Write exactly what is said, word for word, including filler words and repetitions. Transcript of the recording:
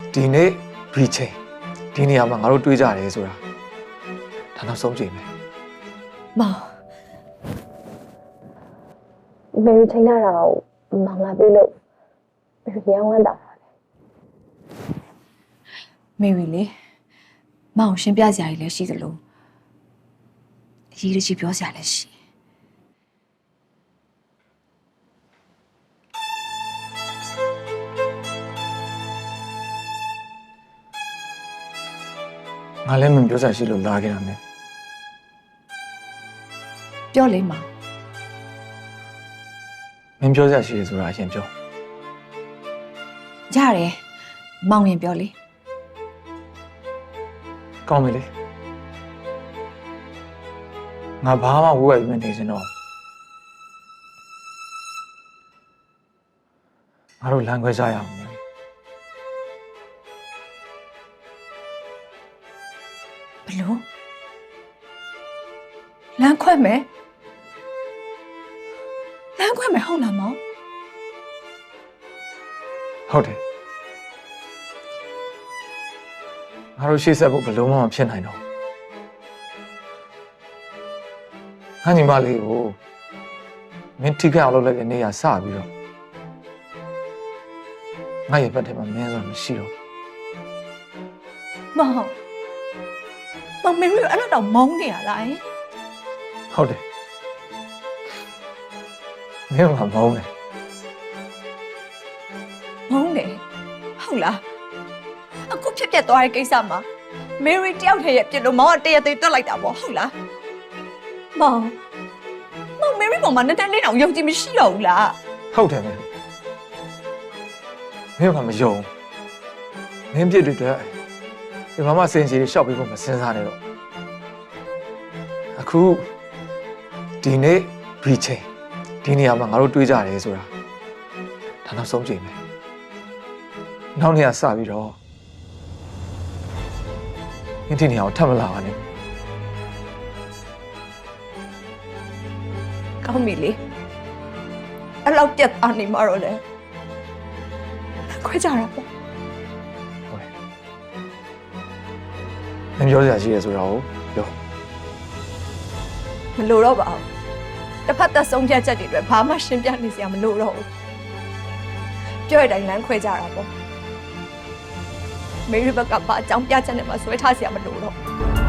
ဒီနေ့ရီချင်းဒီနေရာမှာငါတို့တွေးကြတယ်ဆိုတာဒါနောက်ဆုံးချိန်ပဲမောင်မေရီချိန်လာတော့မောင်လာပြီလို့မေရီရောင်းဝမ်းတာမေရီလေမောင်ရှင်းပြစရာကြီးလည်းရှိသလိုအရေးကြီးပြောစရာလည်းရှိငါလည်းမပြောစရာရှိလို့လာခဲ့တာနဲ့ပြောလေမောင်မင်းပြောစရာရှိတယ်ဆိုတာအရင်ပြောရတယ်မောင်ရင်ပြောလေကောင်းပြီလေငါဘာမှဝေးဝဲပြီးမနေစင်တော့ငါတို့လမ်းခွဲကြရအောင်မယ်ဘလို့လမ်းခွဲမယ်လမ်းခွဲမယ်ဟုတ်လားမောင်ဟုတ်တယ်ငါတို့ရှေ့ဆက်ဖို့ဘယ်လို့မှမဖြစ်နိုင်တော့ငါညီမလေးကိုမင်းထိခိုက်အောင်လုပ်လိုက်တဲ့နေရာစပြီးတော့ငါရဲ့ဘက်ထဲမှာမင်းဆိုတာမရှိတော့မောင်မောင်မေရီအဲ့လိုတော့မုန်းနေရလားဟုတ်တယ်မင်းကမုန်းတယ်မုန်းတယ်ဟုတ်လားအခုဖြစ်ပြသွားတဲ့ကိစ္စမှာမေရီတယောက်တည်းရဲ့ပြစ်လို့မောင်ကတရသေးတွက်လိုက်တာပေါ့ဟုတ်လားမောင်မောင်မေရီပေါ်မှာနဲ့တဲ့လေးတောင်ယုံကြည်မရှိတော့ဘူးလားဟုတ်တယ်မင်းမင်းကမယုံမင်းပြစ်တွေအတွက်ဒီမှာမှစင်စီတွေရှောက်ပြီးဖို့မစင်စားနဲ့တော့အခုဒီနေ့ရီချင်းဒီနေရာမှာငါတို့တွေးကြတယ်ဆိုတာဒါနောက်ဆုံးချိန်ပဲနောက်နေ့ကစပြီးတော့မင်းဒီနေရာကိုထပ်မလာပါနဲ့ကောင်းပြီလေအဲ့လောက်ပြတ်သားနေမှာတော့လေခွဲကြတာပေါ့ဟုတ်တယ်မင်းပြောစရာရှိရဆိုတာကိုပြောမလိုတော့ပါဘူးတစ်ဖက်သက်ဆုံးဖြတ်ချက်တွေအတွက်ဘာမှရှင်းပြနေစရာမလိုတော့ဘူးပြောရတိုင်းလမ်းခွဲကြတာပေါ့မေရီဘက်ကဘာအကြောင်းပြချက်နဲ့မှဆွဲထားစရာမလိုတော့ဘူး